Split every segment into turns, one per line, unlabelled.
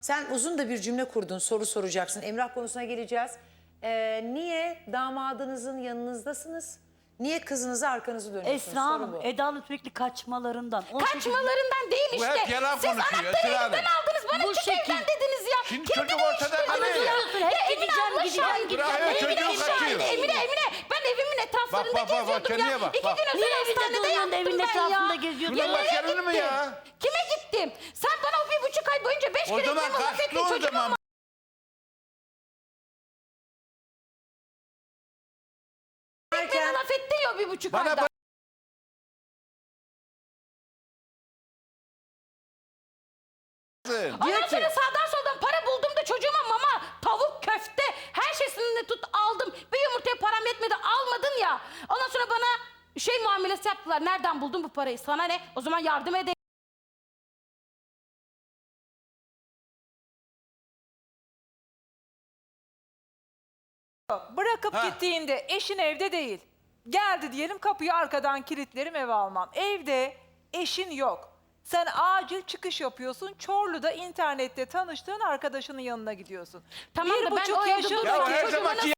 Sen uzun da bir cümle kurdun, soru soracaksın. Emrah konusuna geleceğiz. Niye damadınızın yanınızdasınız? Niye kızınıza arkanızı dönüyorsunuz?
Esra
Soru
Hanım,
bu.
Eda'nın sürekli kaçmalarından.
Kaçmalarından değil
Bu
işte.
hep yalan
Siz
konuşuyor,
anahtarı
Esra Hanım.
elimden aldınız. Bana
Bu
çık
şekil.
evden dediniz ya.
Şimdi
Kim
çocuk
dedi
ortada
işte?
kalıyor.
Diyorsun, hep
Emine
gideceğim,
abla
gideceğim,
şahit.
gideceğim.
Bırak,
Emine
çocuğu
şahit.
kaçıyor.
Emine. Ben evimin etraflarında
Bak,
geziyordum
kendine
ya.
bak,
2
bak.
gün önce
Niye evinde
hastanede
duruyorsun da
yattım
evin
ben
etrafında
ya.
geziyordun?
Bunun
Yemeğe
başarılı mı
gittim.
ya?
Kime gittim? Sen bana o 1,5 ay boyunca 5
O
kere
zaman
evime laf ettin.
kaçtı o
Çocuğum
zaman.
bana laf ettin ya o 1,5
Bana
ayda. Ondan
Diyor ki-
sonra sağdan soldan para buldum da çocuğuma mama, tavuk, köfte her şeysini tut aldım. Bir yumurtaya param yetmedi almadın ya. Ondan sonra bana muamelesi yaptılar. Nereden buldun bu parayı? Sana ne? O zaman yardım edeyim.
Bırakıp gittiğinde eşin evde değil. Geldi diyelim, kapıyı arkadan kilitlerim, eve almam. Evde eşin yok. Sen acil çıkış yapıyorsun. Çorlu'da internette tanıştığın arkadaşının yanına gidiyorsun.
Tamam da ben
1,5
o evde
yaşındaki
durmadım.
Ya her
Çocuğuma
zamanki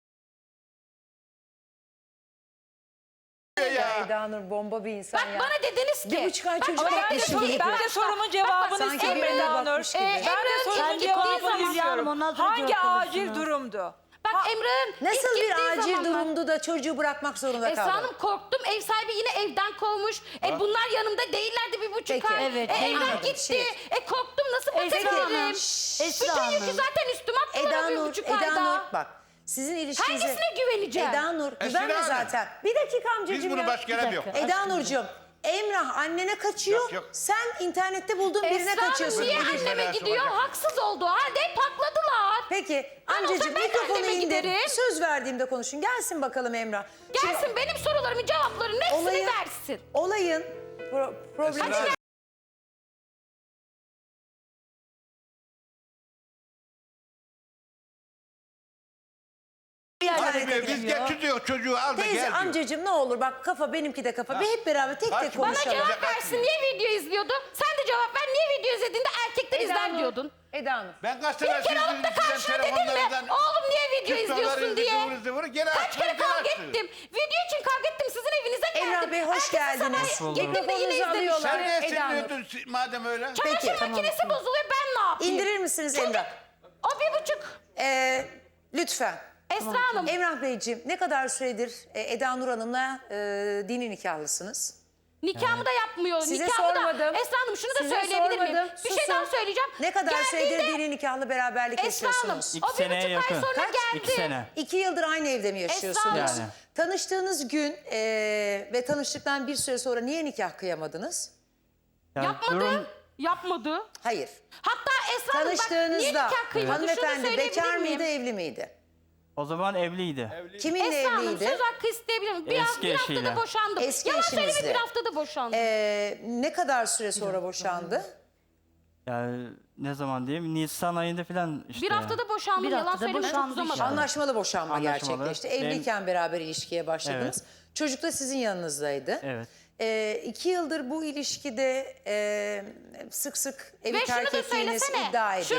Ya Eda Nur bomba bir insan
Bak
ya.
bana dediniz ki.
1,5 ay çocuk
Ama
Ben de,
beklesin gibi.
ben de sorumun cevabını
Sanki
istiyorum
birine
Eda Nur.
bakmış gibi.
Ben de
Emre'nin
sorumun
ilk gittiği
cevabını
zaman-
istiyorum.
Ondan sonra
Hangi
cevap
acil
alırsınız.
durumdu?
Bak Emre'nin
Nasıl
ilk
bir
gittiği
acil
zamanlar-
durumdu da çocuğu bırakmak zorunda
Esra
kaldı?
Hanım korktum. Ev sahibi yine evden kovmuş. Bunlar yanımda değillerdi 1,5
Peki,
ay.
evet,
Evden
anladım.
gitti.
Şey-
Korktum nasıl
Esra
bakabilirim?
Hanım,
Bütün
Esra
yükü
Hanım.
zaten üstüme attılar
Eda
o
Nur,
1,5
Eda
ayda.
Nur bak. Sizin ilişkinize...
Hangisine güveneceğim?
Eda Nur güvenme
Hanım.
zaten. Bir dakika amcacığım
biz bunu
ya.
başka yere
Bir
yok.
dakika.
Eda Nurcuğum, Emrah annene kaçıyor.
Yok, yok.
Sen internette bulduğun birine
Esra Hanım
kaçıyorsun.
niye
Benim
anneme
alakası
gidiyor?
olacak.
Haksız olduğu halde hep hakladılar.
Peki
Ben
amcacığım
olsam ben de
mikrofonu
anneme
indir.
giderim.
Söz verdiğimde konuşun. Gelsin bakalım Emrah.
Gelsin benim sorularımın cevaplarının hepsini
Olayın-
versin.
Olayın problemi...
Esra Hanım. Biz getiriyor çocuğu al da
Teyze
gel diyor.
amcacığım ne olur bak kafa benimki de kafa. Bir hep beraber tek
Kaç
tek
bana
Bana
konuşalım.
cevap versin. Niye video izliyordu? Sen de cevap ver. Niye video izlediğinde erkekler izler diyordun?
Eda Nur.
Ben kaç
Bir
sefer
kere alıp da karşına dedim mi? Oğlum niye video izliyorsun diye. Kaç kere kavga ettim. Video için kavga ettim. Sizin evinize geldim.
Emrah Bey, hoş
Ertesi
geldiniz.
sabah
Hoş
gittim de
bulduk.
yine
Mikrofonunuzu
izlemişim.
alıyorlar.
Sen niye
Eda Nur.
sinirliyordun madem öyle?
Çamaşır makinesi bozuluyor ben ne yapayım?
İndirir misiniz Emrah?
O 1,5.
Lütfen.
Esra Hanım.
Emrah Beyciğim ne kadar süredir Eda Nur Hanım'la dini nikahlısınız?
Nikahımı da yapmıyor.
Size
Nikahımı
sormadım.
Da, Esra Hanım şunu da
Size
söyleyebilir miyim?
sormadım.
Bir şey
Susun.
daha söyleyeceğim.
Ne kadar süredir
Geldiğinde
dini nikahlı beraberlik
Esra Hanım
yaşıyorsunuz?
o
2 seneye
1,5 ay
yakın.
sonra
Kaç?
geldi.
2 sene.
2 yıldır aynı evde mi yaşıyorsunuz?
Esra
Hanım.
Tanıştığınız gün ve tanıştıktan bir süre sonra niye nikah kıyamadınız?
Yani
Yapmadı.
durum-
Yapmadı.
Hayır.
Hatta Esra Hanım bak niye
Tanıştığınızda
nikah kıymadı şunu
hanımefendi
söyleyebilir
bekar
miyim?
mıydı evli miydi?
o zaman evliydi.
Kiminle
Esra Hanım
evliydi?
söz hakkı isteyebilir miyim?
Eski
Bir haftada
eşiyle.
boşandım.
Eski
Yalan söyleme
eşinizle.
bir haftada boşandım.
Ne kadar süre sonra boşandı?
Yani ne zaman diyeyim? Nisan ayında falan işte.
Bir haftada boşandım.
Bir
Yalan
haftada
söyleme çok
boşandık
uzamadı.
işte.
Anlaşmalı boşanma
Anlaşmalı.
gerçekleşti.
Benim-
Evliyken beraber ilişkiye başladınız.
Evet.
Çocuk da sizin yanınızdaydı.
Evet.
2 yıldır bu ilişkide sık sık evi
Ve şunu
terk
da
ettiğiniz
söylesene.
iddia edildi.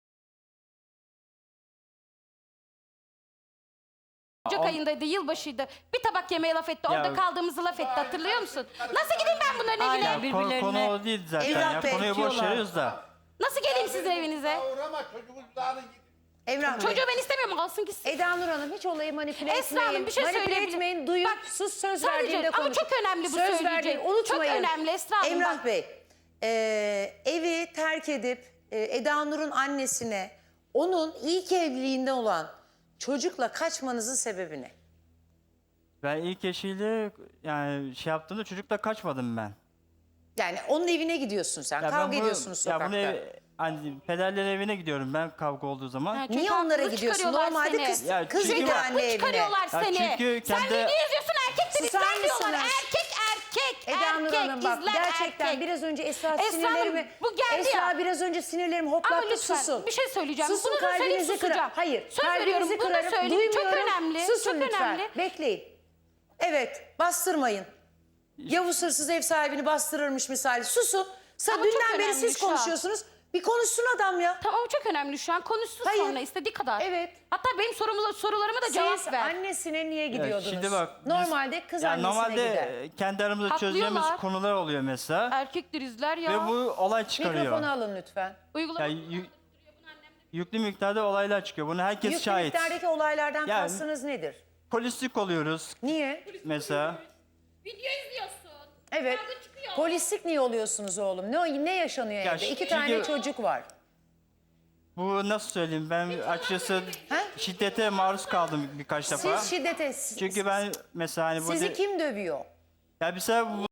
Ocak ayındaydı, yılbaşıydı. Bir tabak yemeğe laf etti. Orada
Ya-
kaldığımızı laf etti. Hatırlıyor musun? Nasıl gideyim ben bunların evine?
Aynen. Birbirlerine
Konu o değil zaten
Emrah
ya.
Bey,
Konuyu boş
diyorlar.
veriyoruz da.
Nasıl geleyim sizin evinize?
Uğrama çocuğun dağını git.
Emrah Bey.
Çocuğu ben istemiyorum. Alsın gitsin.
Eda Nur Hanım hiç olayı manipüle
Esra
etmeyin.
Hanım bir şey
Manipüle
söyleyebilir.
etmeyin. Duyun.
Bak,
Sus söz
sadece-
verdiğimde
ama
konuşun.
çok önemli bu
söz
söyleyeceğim.
verdiğim unutmayın.
Çok önemli Esra Hanım.
Emrah
bak.
Bey evi terk edip Eda Nur'un annesine onun ilk evliliğinde olan çocukla kaçmanızın sebebi ne?
Ben ilk eşiyle yani şey yaptığımda çocukla kaçmadım ben.
Yani onun evine gidiyorsun sen.
Ya ben
Kavga
bunu-
ediyorsunuz
Ya
sokakta.
bunu hani pederlerin evine gidiyorum ben kavga olduğu zaman.
Ha, çünkü
Niye onlara
haksızlık
gidiyorsun?
çıkarıyorlar
Normalde
seni.
kız
Ya
kız
çünkü-
gidiyor
Haklı
anne evine.
çıkarıyorlar
Ya
seni.
çünkü
Sen
kendi-
video izliyorsun erkekten
Susar
izler diyorlar.
mısınız?
Erkek.
Eda Nur
erkek,
Hanım bak
izler
gerçekten
erkek.
biraz önce Esra
Esra
sinirlerimi...
Hanım, bu geldi
Esra
ya.
biraz önce sinirlerimi
Ama
hoplattı
lütfen
susun.
bir şey söyleyeceğim.
Susun,
Bunu da söyleyip
kalbinizi
susacağım.
kırar. Hayır,
Söz veriyorum
kalbinizi
bunu da
kırarım.
söyleyeyim. Çok
Duymuyorum.
önemli.
Susun
çok
lütfen.
önemli.
Bekleyin. Evet, bastırmayın. Yavuz hırsız ev sahibini bastırırmış misali. Susun.
Ama çok
Dünden beri
önemli
siz
şu an.
konuşuyorsunuz. Bir konuşsun adam ya.
Tamam, o çok önemli şu an. Konuşsun
Hayır.
sonra istediği kadar.
Evet.
Hatta benim sorularıma da cevap
Siz
ver.
annesine niye gidiyordunuz?
Şimdi bak, biz-
Normalde kız annesine
normalde
gider.
kendi aramızda çözeceğimiz
Haklıyorlar.
konular oluyor mesela.
Erkektir izler ya.
Ve bu olay çıkarıyor.
Mikrofonu alın lütfen.
Uygulama.
Yüklü miktarda olaylar çıkıyor. Bunu herkes
Yüklü
şahit.
miktardaki olaylardan
Yani-
kastınız nedir?
Polislik oluyoruz
Niye?
mesela.
Video izliyorsun.
Evet.
Kavga çıkıyor.
Polislik niye oluyorsunuz oğlum? Ne yaşanıyor
Ya
evde? İki
çünkü-
tane çocuk var.
Bu nasıl söyleyeyim, ben açıkçası
Ha?
şiddete maruz kaldım birkaç defa.
Siz şiddete...
Çünkü ben mesela hani bu
Sizi kim dövüyor?
ya mesela bu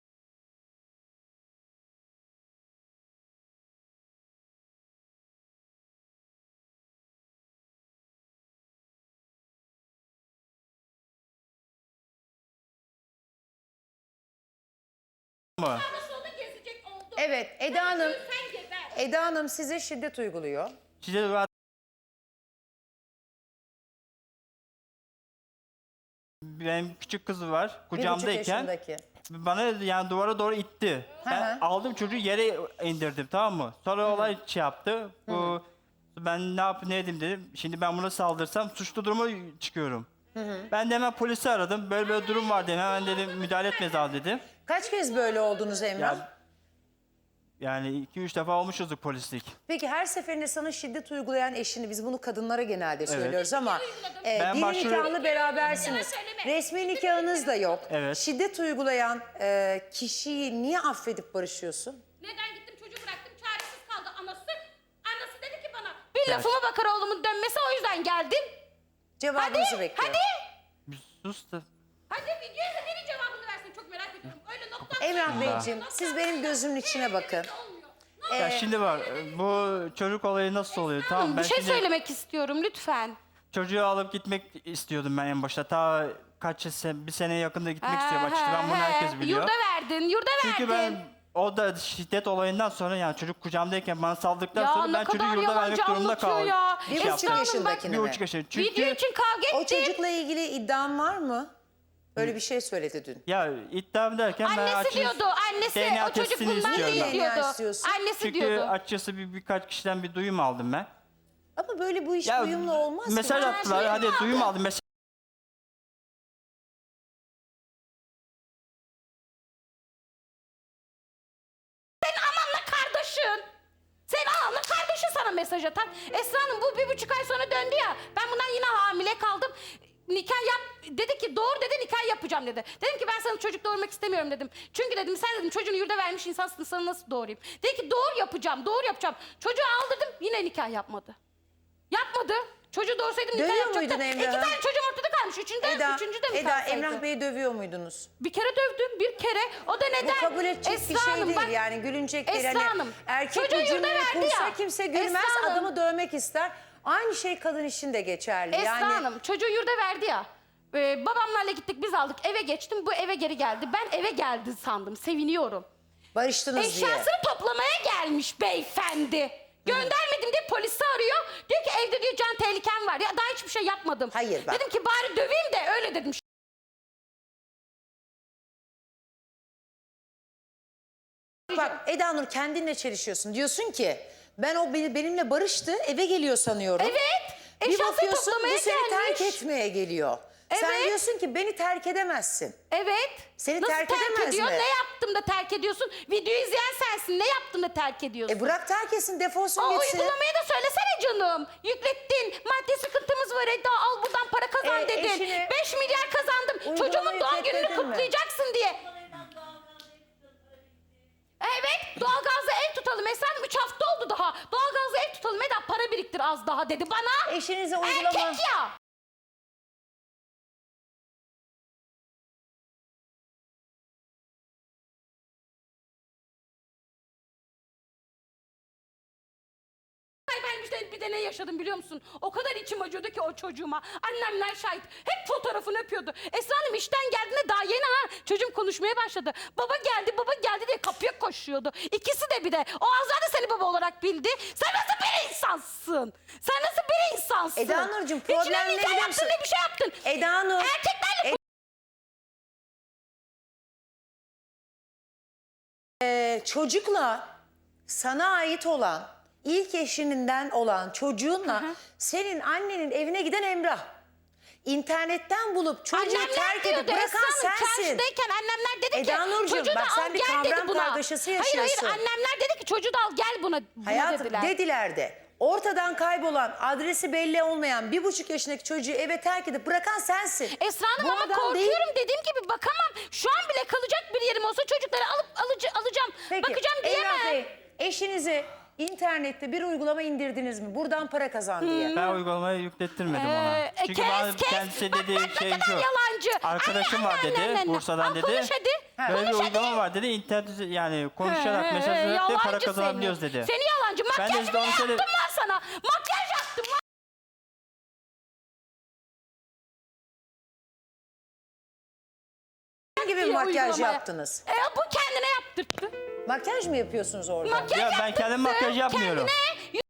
mı?
Solda gezecek oldu.
Evet, Eda Hanım.
Sen geber.
Eda Hanım size şiddet uyguluyor.
Şiddet var. Benim küçük kızı var
1,5
kucağımdayken
yaşındaki.
bana yani duvara doğru itti. Ben
hı.
aldım çocuğu yere indirdim, tamam mı? Sonra olay şey yaptı. Bu ben ne edeyim dedim. Şimdi ben buna saldırsam suçlu duruma çıkıyorum. Ben de hemen polisi aradım. Böyle durum var dedim. Hemen dedim müdahale etmez abi dedim.
Kaç kez böyle oldunuz Emrah?
Yani 2-3 defa olmuşuzdur polislik.
Peki her seferinde sana şiddet uygulayan eşini, biz bunu kadınlara genelde söylüyoruz ama
Ben
dini
başvuru-
nikahlı berabersiniz. Resmi nikahınız da yok.
Evet.
Şiddet uygulayan kişiyi niye affedip barışıyorsun?
Neden gittim çocuğu bıraktım, çaresiz kaldı anası. Anası dedi ki bana bir lafıma bakar oğlumun dönmesi, o yüzden geldim.
Cevabınızı
Hadi,
bekliyorum.
hadi.
Sus da.
Hadi video izlemenin cevabını versin, çok merak ediyorum. Öyle nokta.
Emrah Beyciğim, siz benim gözümün içine bakın.
Ya şimdi var bu çocuk olayı nasıl oluyor? Tamam, ben
Bir şey
şimdi
söylemek istiyorum lütfen.
çocuğu alıp gitmek istiyordum ben en başta. Ta bir sene yakında gitmek istiyorum açıkçası. Ben bunu herkes biliyor.
Yurda verdin, yurda
Çünkü
verdin.
ben o da şiddet olayından sonra, yani çocuk kucağımdayken bana saldırdıktan
Ya
sonra
ne
ben çocuğu
kadar
yurda vermek
yalancı
durumunda
anlatıyor
kaldım.
ya.
Bir
Esra
buçuk
Hanım,
yaşındakini
Bir
mi?
buçuk yaşında.
Video
Çünkü
için kavga
O
ettim.
çocukla ilgili iddian var mı? Öyle bir şey söyledi dün.
ya iddiam derken ben
Annesi
açıkçası
diyordu, annesi
DNA
o çocuk
testini
bundan
istiyorum
değil
ben.
DNA
diyordu.
istiyorsun.
Annesi
Çünkü
diyordu.
açıkçası birkaç kişiden bir duyum aldım ben.
Ama böyle bu iş
Ya
uyumlu olmaz ki.
mesaj attılar, hadi duyum aldım. Mesaj
Ananla kardeşin. Senin ananla kardeşin sana mesaj atan. Esra Hanım bu 1,5 ay sonra döndü ya. Ben bundan yine hamile kaldım. Nikah yap dedi ki doğur dedi, nikah yapacağım dedi. Dedim ki ben sana çocuk doğurmak istemiyorum dedim. Çünkü dedim sen dedim çocuğunu yurda vermiş insansın, sana nasıl doğurayım. Dedi ki doğur yapacağım, doğur yapacağım. Çocuğu aldırdım, yine nikah yapmadı. Yapmadı. Çocuğu doğursaydım nikah
Dövüyor
yapacaktı.
muydun
2
Emrah'ı?
tane çocuğum ortada kalmış. Üçüncü de mi
Eda
kalsaydı?
Emrah Bey'i dövüyor muydunuz?
Bir kere dövdüm, bir kere. O da neden?
Bu kabul edecek bir
Esra
şey
Hanım,
değil
bak-
yani, gülünecek değil.
Esra
Hani
Hanım,
erkek
çocuğu
bu
yurda
cümleyi
verdi
kursa
ya.
kimse gülmez,
Esra Hanım.
adamı dövmek ister. Aynı şey kadın için de geçerli.
Esra
yani
Hanım çocuğu yurda verdi ya. Babamlarla gittik, biz aldık, eve geçtim, bu eve geri geldi. Ben eve geldi sandım, seviniyorum.
barıştınız diye.
Eşyasını toplamaya gelmiş beyefendi. Göndermedim diye polisi arıyor. Diyor ki evde diyor can tehlikem var. Ya daha hiçbir şey yapmadım.
Hayır, bak.
Dedim ki bari döveyim de öyle dedim.
Bak Eda Nur, kendinle çelişiyorsun. Diyorsun ki ben o benimle barıştı, eve geliyor sanıyorum.
Evet.
Bir
Eşyasını
bakıyorsun
toplamaya
bu seni
gelmiş.
terk etmeye geliyor. Sen
Evet.
diyorsun ki beni terk edemezsin.
Evet.
Seni
Nasıl
terk edemez
ediyor?
mi?
Ne yaptım da terk ediyorsun? Videoyu izleyen sensin. Ne yaptım da terk ediyorsun?
Bırak terk etsin, defolsun
O
gitsin.
uygulamayı da söylesene canım. Yüklettin. Maddi sıkıntımız var Eda. Al buradan para kazan dedin.
eşine
5 milyar kazandım.
uygulamayı
Çocuğumun doğum gününü
yükletmedin mi?
kutlayacaksın diye. Evet, doğalgazla ev tutalım. Efendim 3 hafta oldu daha. Doğalgazla ev tutalım. Eda para biriktir az daha dedi bana.
Eşinize uygulama...
Erkek ya. Ben bir de ne yaşadım biliyor musun? O kadar içim acıyordu ki o çocuğuma. Annemler şahit. Hep fotoğrafını öpüyordu. Esra Hanım işten geldiğinde daha yeni çocuğum konuşmaya başladı. Baba geldi diye kapıya koşuyordu. İkisi de bir de. O Azra da seni baba olarak bildi. Sen nasıl bir insansın? Sen nasıl bir insansın?
Eda Nurcuğum,
Hiç
problem
ne
ne
nikah
biliyor
yaptın
musun?
ne bir şey yaptın.
Eda Nur...
Erkeklerle
çocukla sana ait olan, ilk eşininden olan çocuğunla senin annenin evine giden Emrah. İnternetten bulup çocuğu
Annemler
terk
diyordu
edip bırakan
Esra Hanım,
sensin.
çarşıdayken annemler dedi ki
Eda Nurcuğum,
çocuğu da
bak sen
al
bir
gel dedi
kavram
buna.
kargaşası
Hayır
yaşıyorsun.
annemler dedi ki çocuğu da al gel buna
Hayatım
dediler.
dediler de ortadan kaybolan, adresi belli olmayan 1,5 yaşındaki çocuğu eve terk edip bırakan sensin.
Esra Hanım
Bu
ama
adam
korkuyorum
değil.
dediğim gibi bakamam. Şu an bile kalacak bir yerim olsa çocukları alıp alacağım.
Peki,
Bakacağım
Emrah
diyemem.
Bey, eşinize internette bir uygulama indirdiniz mi? Buradan para kazan diye.
Ben uygulamayı yüklettirmedim ona. Çünkü bana kendisi
Bak,
dediği
bak,
şey
ne kadar
şu.
yalancı.
Arkadaşım var dedi, Bursa'dan
Al,
dedi.
konuş hadi.
Böyle bir
Konuş
uygulama
hadi.
var dedi. İnternet yani konuşarak mesaj vererek de
Yalancı
para kazanabiliyoruz
seni.
dedi.
Seni yalancı.
Ben de
Makyaj
işte
bile
onu
yaptım
söyledim.
lan sana. Makyaj yaptım lan.
Ne gibi bir
diye
makyaj
uygulamaya.
yaptınız?
Bu kendine yaptırttı.
Makyaj mı yapıyorsunuz orada?
Makyaj
Ya ben
yaptırttı.
kendim makyaj yapmıyorum.
Kendine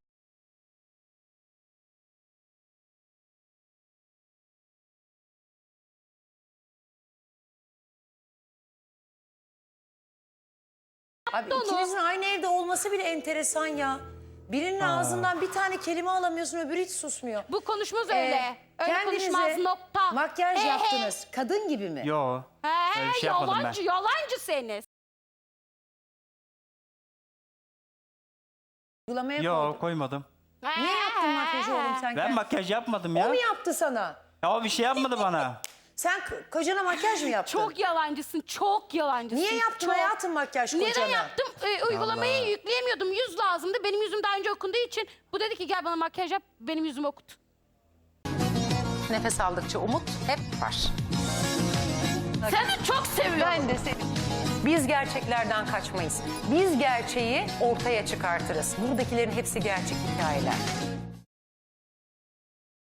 Abi
onu.
ikinizin aynı evde olması bile enteresan ya. Birinin ağzından bir tane kelime alamıyorsun, öbürü hiç susmuyor.
Bu konuşmaz öyle. Öyle
Kendinize
konuşmaz nokta.
makyaj
He, he.
yaptınız. Kadın gibi mi?
Yo.
He,
Öyle bir şey yapmadım ben.
yalancı, yalancı seni.
Uygulamaya
Yo
koydun.
koymadım.
Niye yaptın makyajı oğlum sen?
Ben
kendin?
makyaj yapmadım
O
ya.
mu yaptı sana?
Ya o bir şey yapmadı bana.
Sen kocana makyaj mı yaptın?
Çok yalancısın, çok yalancısın.
Niye yaptın
çok.
hayatım makyaj kocana?
Neden yaptım? Uygulamayı
Allah.
yükleyemiyordum. Yüz lazımdı. Benim yüzüm daha önce okunduğu için bu dedi ki gel bana makyaj yap. Benim yüzümü okut.
Nefes aldıkça umut hep var.
Seni çok seviyorum.
Ben de seni. Biz gerçeklerden kaçmayız. Biz gerçeği ortaya çıkartırız. Buradakilerin hepsi gerçek hikayeler.